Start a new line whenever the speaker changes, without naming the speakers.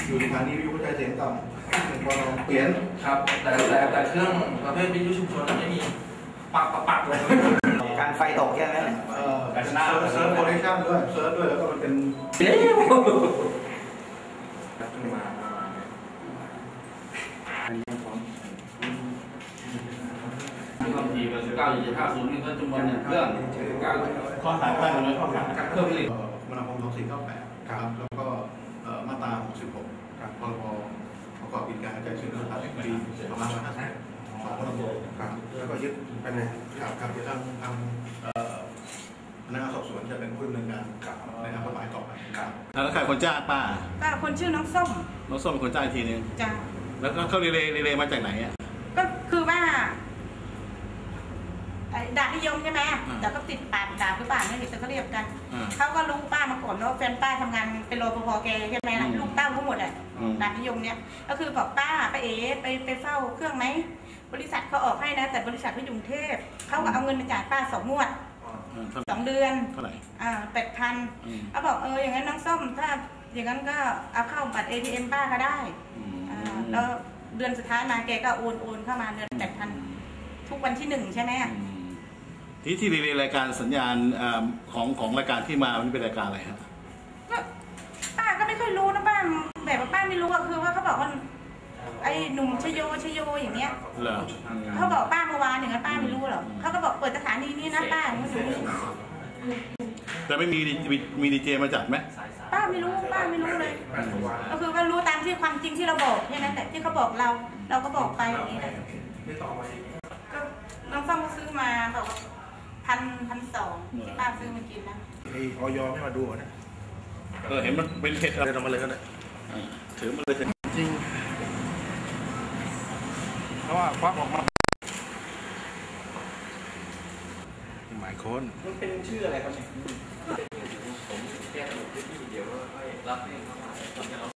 อยู่สถานีวิทยุกระจายเสียงต่ำพอเราเปลี่ยน
ครับแต่เครื่องประเภทวิทยุชุมชนไม่มีปักเลย
การไฟตกแค่นั้น
การเซิร์ฟโปรดักชั่นด้วยเซิร์ฟด้วยแล้วก็มันเป็น
เดี๋ยวมาความถี่แบบ19.50นี่ก็จำนวนเครื่อง
ข้อหาตั้งเลยข้อหา
เครื่องผลิต
มนาคม2498ครับแล้วก็มาตรา66ครับพรบประกอบกิจการกระจายเสียงโทรทัศน์ปี2550ของมนาคมครับแล้วก็ยึดไปในครับจะทางพนักงานสอบสวนจะเป็นผู้ดำเนินการในทางกฎหมายต่อไปครับ
แล้วใครคนจ้างป้า
คนชื่อน้องส้ม
เป็นคนจ้างอีกทีนึง
จ้า
แล้วก็เขาเรมาจากไหนอ่ะ
ก็คือว่าด่านิยมใช่ไหมแต่ก็ติดปากด่าหรือเปล่าไม่เห็นแต่เขาเรียกกันเขาก็รู้ป้ามาก่อนว่าแฟนป้าทำงานเป็นรปภแกใช่ไหมลูกเต้าทั้งหมดอ่ะด่านิยมเนี่ยก็คือบอกป้าไปเฝ้าเครื่องไหมบริษัทเขาออกให้นะแต่บริษัทเขาอยู่กรุงเทพเขาก็เอาเงินมาจ่ายป้า2 งวด2 เดือน
เท่าไหร่
8,000เขาบอกอย่างนั้นน้องส้มถ้าอย่างนั้นก็เอาเข้าบัตร ATM ป้าก็ได้แล้วเดือนสุดท้ายมาแกก็โอนเข้ามาเดือน8,000ทุกวันที่1ใช่ไหม
ที่รีเลย์รายการสัญญาณของรายการที่มาวันนี้เป็นรายการอะไรครับ
ป้าก็ไม่ค่อยรู้นะป้าแบบว่าป้าไม่รู้ก็คือว่าเขาบอกว่าไอ้หนุ่มชโยอย่างเงี้ยเขาบอกป้าเมื่อวานอย่างนั้นป้าไม่รู้หรอกเขาก็บอกเปิดสถานีนี้นะป้าไม่รู้
แต่ไม่มีดีเจมาจัดไหม
ป้าไม่รู้เลยก็คือว่ารู้ตามที่ความจริงที่เราบอกแค่นั้นแต่ที่เขาบอกเราก็บอกไปอย่างนี้แหละก็น้องส้มซื้อมาบอก1,200ที่ป้าซื้อมากินนะ
ไอ้ออยไม่มาดูนะ
เห็นมันเป็นเห็ด
เดินออกมาเลยก็ได้
ถือมาเลย
จริงเพราะว่าควักออกมาหมายค้น
มันเป็นชื่ออะไรครับเนี่ยผมแก้ตัวที่เดี๋ยวรับเอง